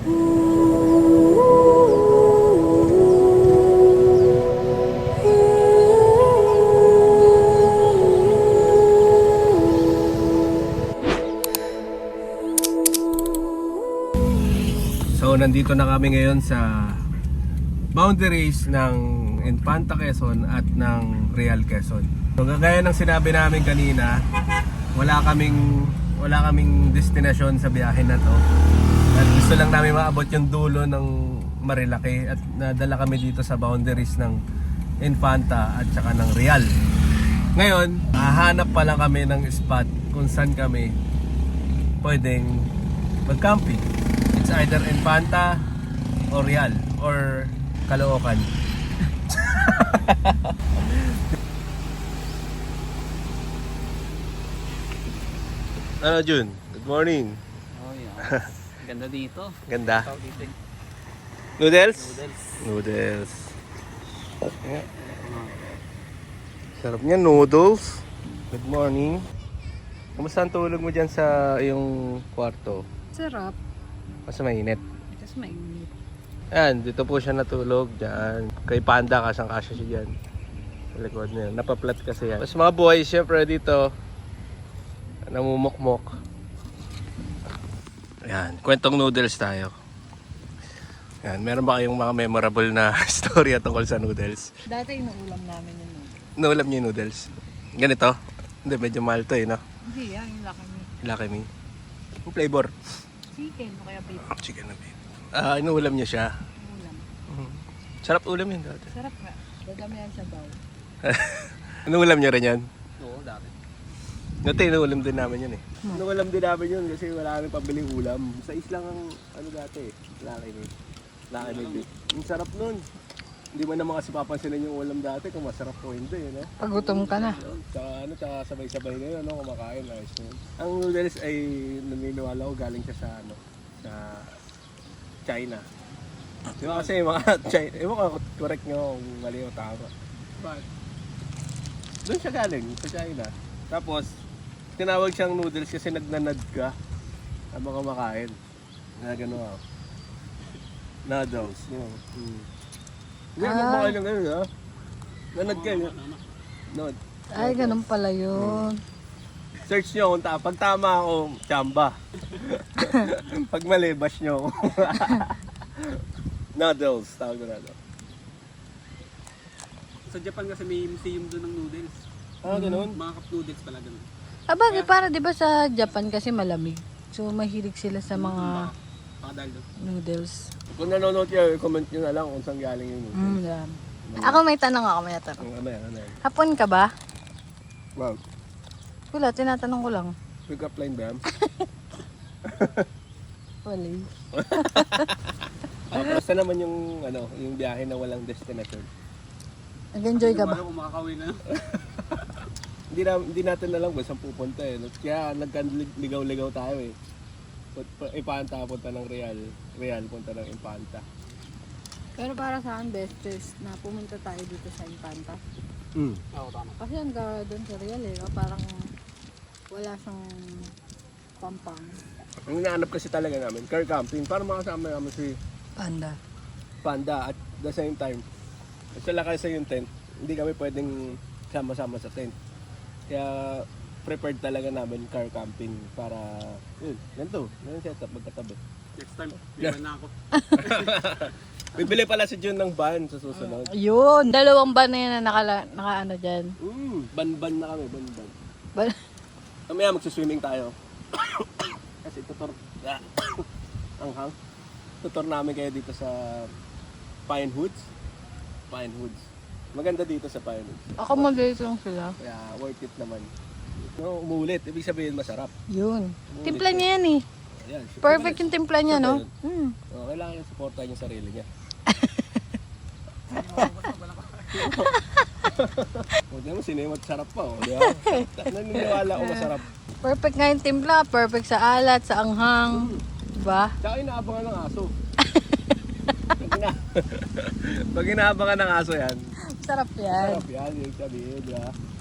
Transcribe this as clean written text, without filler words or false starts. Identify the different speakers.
Speaker 1: So nandito na kami ngayon sa boundaries ng Infanta Quezon at ng Real Quezon. So gaya ng sinabi namin kanina, wala kaming destinasyon sa biyahe na to. At gusto lang namin maabot yung dulo ng Marilaki at nadala kami dito sa boundaries ng Infanta at saka ng Real. Ngayon, hahanap pa lang kami ng spot kung saan kami pwedeng mag-camping. It's either Infanta or Real or Caloocan. Ano Jun? Good morning.
Speaker 2: Oh yeah. Ganda dito.
Speaker 1: Ganda.
Speaker 2: Tawag dito.
Speaker 1: Noodles?
Speaker 2: Noodles.
Speaker 1: Noodles. Yeah. Sarap niya, noodles. Good morning. Kamusta ang tulog mo dyan sa iyong kwarto?
Speaker 3: Sarap.
Speaker 1: Mas mainit.
Speaker 3: Tapos mainit.
Speaker 1: Ayan, dito po siya natulog dyan. Kay Panda, kasang-kasya siya dyan. Sa likod niya. Napaplat kasi yan. Tapos mga boys, syempre dito, namumukmok. Ayan, kwentong noodles tayo. Ayan, meron ba kayong mga memorable na story tungkol sa noodles?
Speaker 3: Dati inuulam namin yun.
Speaker 1: Naulam niyo yung noodles? Ganito? Hindi, medyo mahal to no?
Speaker 3: Hindi yan, yung laki niya.
Speaker 1: Laki me. Yung flavor?
Speaker 3: Chicken o kaya beef.
Speaker 1: Chicken na beef. Inuulam niyo siya.
Speaker 3: Ulam.
Speaker 1: Sarap ulam yun dati.
Speaker 3: Sarap nga. Dadami yan sa baw.
Speaker 1: Inuulam niyo rin yan?
Speaker 2: Oo, dati.
Speaker 1: Dati inuulam din namin yun eh. Inuulam din namin yun kasi wala kami pabiling ulam. Sa islang ang ano dati eh. Laki me. Ang sarap nun. Hindi mo naman kasi papansinin yung ulam dati kung masarap o hindi, no?
Speaker 3: Pagutom ka na.
Speaker 1: Tsaka sabay-sabay na yun, no? Kumakain, ayos na yun. Ang noodles ay naniniwala ko galing siya sa, sa China. Di ba kasi mga China, ewan ko, correct nyo kung mali o tama. But, doon siya galing, sa China. Tapos, tinawag siyang noodles kasi nagnanad ka habang kumakain. Na gano'n ako. Noodles, yun. Hindi mo kumakain ng gano'n, ha? Nanad ka, yun. Nod.
Speaker 3: Ay, ganun pala yun.
Speaker 1: Search nyo kung pag tama ako, chamba. Pag mali, bash nyo ako. Noodles, tawag ko na ito.
Speaker 2: Sa Japan kasi may museum doon ng noodles.
Speaker 1: Ganun?
Speaker 2: Mga cup noodles pala ganun.
Speaker 3: Bagay, para di ba sa Japan kasi malamig. So, mahilig sila sa mga
Speaker 2: Baka dahil doon.
Speaker 3: noodles.
Speaker 1: Kung nanonood kayo, comment nyo na lang kung saan galing yung noodles.
Speaker 3: Yan. Ako may tanong ako, may tanong.
Speaker 1: Ano yan?
Speaker 3: Hapon ka ba?
Speaker 1: Wow,
Speaker 3: Wala, tinatanong ko lang.
Speaker 1: pick up line ba yan?
Speaker 3: Wala.
Speaker 1: Basta naman yung, yung biyahe na walang destination.
Speaker 3: Nag-enjoy ka ba?
Speaker 2: Kung makakawin na.
Speaker 1: Hindi natin alam kung saan pupunta eh. Kaya nagkaligaw-ligaw tayo eh. Infanta punta ng Real, Real punta ng Infanta.
Speaker 3: Pero para sa akin, best is na pumunta tayo dito sa Infanta.
Speaker 2: Oo, tama.
Speaker 3: Kasi ang gara doon sa Real eh, parang wala siyang pampang.
Speaker 1: Ang hinahanap kasi talaga namin, car camping, para makasama namin si Panda at the same time, sila kasi yung tent, hindi kami pwedeng sama-sama sa tent. Kaya prepared talaga namin car camping para, ganito, ganun setup, magkatabi.
Speaker 2: Next time, bigyan na ako.
Speaker 1: Bibili pala si Jun ng van sa susunod.
Speaker 3: Yun! Dalawang ban na yan na naka-ano dyan.
Speaker 1: Ban-ban na kami, ban-ban.
Speaker 3: Ban-
Speaker 1: Mamaya magsiswimming tayo. Kasi anghang. Tutor namin kayo dito sa Pine Woods. Maganda dito sa Pine Woods.
Speaker 3: Ako mabilis lang sila.
Speaker 1: Kaya worth it naman. No, umulit. Ibig sabihin masarap.
Speaker 3: Yun. Timpla niya yan eh.
Speaker 1: Ayan.
Speaker 3: Perfect yung timpla niya, no?
Speaker 1: Kailangan yung supportan yung sarili niya. O, di mo sinimot sarap pa. O, di ba? Naniniwala ko masarap.
Speaker 3: Perfect nga yung timpla. Perfect sa alat, sa anghang. Diba?
Speaker 1: Tsaka inaabangan ng aso. Pag inaabangan ng aso yan,
Speaker 3: Sarap yan.
Speaker 1: sarap yan. Yung sabihin, di ba?